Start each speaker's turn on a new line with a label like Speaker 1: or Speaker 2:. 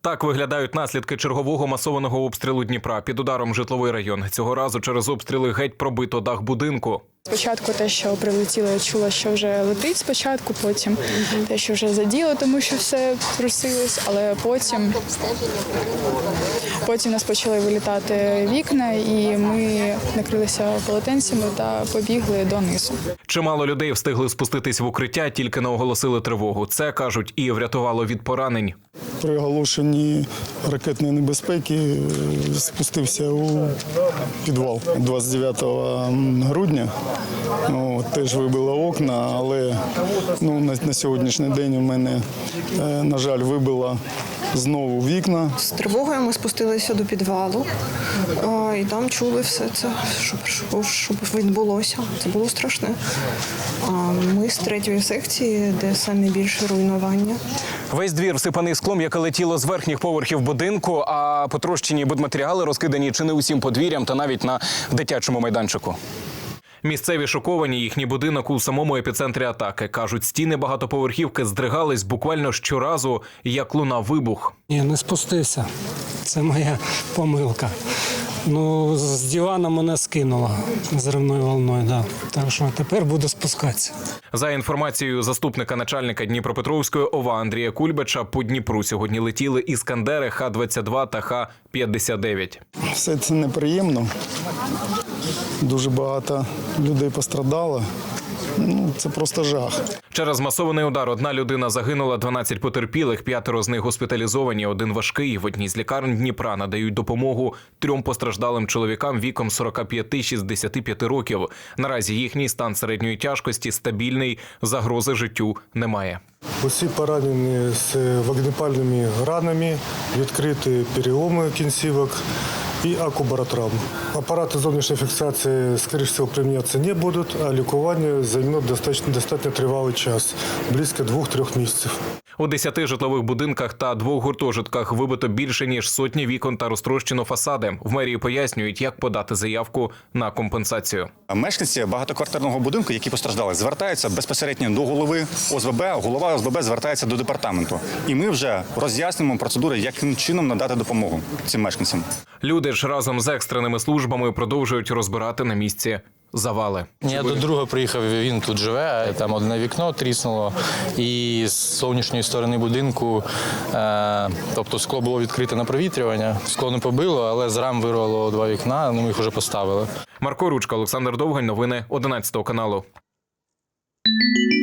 Speaker 1: Так виглядають наслідки чергового масованого обстрілу Дніпра. Під ударом житловий район. Цього разу через обстріли геть пробито дах будинку.
Speaker 2: Спочатку те, що прилетіло, я чула, що вже летить спочатку, потім те, що вже заділо, тому що все трусилось, але потім у нас почали вилітати вікна, і ми накрилися полотенцями та побігли донизу.
Speaker 1: Чимало людей встигли спуститись в укриття, тільки не оголосили тривогу. Це, кажуть, і врятувало від поранень.
Speaker 3: При оголошенні ракетної небезпеки спустився у підвал 29 грудня. Теж вибило окна, але на сьогоднішній день у мене, на жаль, вибило знову вікна.
Speaker 4: З тривогою ми спустилися до підвалу і там чули все це, що відбулося. Це було страшне. Ми з 3-ї секції, де самі більше руйнування.
Speaker 1: Весь двір всипаний склом, яке летіло з верхніх поверхів будинку, а потрощені будматеріали розкидані чи не усім подвір'ям та навіть на дитячому майданчику. Місцеві шоковані, їхній будинок у самому епіцентрі атаки. Кажуть, стіни багатоповерхівки здригались буквально щоразу, як лунав вибух.
Speaker 5: Ні, не спустився. Це моя помилка. З дивана мене скинуло зривною волною, да. Так що тепер буду спускатися.
Speaker 1: За інформацією заступника начальника Дніпропетровської ОВА Андрія Кульбача, по Дніпру сьогодні летіли іскандери Х-22 та Х-59.
Speaker 3: Все це неприємно. Дуже багато людей пострадало. Це просто жах.
Speaker 1: Через масований удар одна людина загинула, 12 потерпілих, 5 з них госпіталізовані, 1 важкий. В одній з лікарень Дніпра надають допомогу 3 постраждалим чоловікам віком 45-65 років. Наразі їхній стан середньої тяжкості стабільний, загрози життю немає.
Speaker 6: Усі поранені з вогнепальними ранами, відкриті переломи кінцівок і акубаротравм. Апарати зовнішньої фіксації, скоріше всього, примінятися не будуть, а лікування займе достатньо тривалий час – близько 2-3 місяців.
Speaker 1: У 10 житлових будинках та 2 гуртожитках вибито більше, ніж сотні вікон та розтрощено фасади. В мерії пояснюють, як подати заявку на компенсацію.
Speaker 7: Мешканці багатоквартирного будинку, які постраждали, звертаються безпосередньо до голови ОСББ, голова ОСББ звертається до департаменту. І ми вже роз'яснюємо процедури, яким чином надати допомогу цим мешканцям.
Speaker 1: Люди ж разом з екстреними службами продовжують розбирати на місці завали.
Speaker 8: Я до друга приїхав, він тут живе, там одне вікно тріснуло, і з зовнішньої сторони будинку, тобто скло було відкрите на провітрювання, скло не побило, але з рам вирвало 2 вікна, ми їх вже поставили.
Speaker 1: Марко Ручка, Олександр Довгань, новини 11 каналу.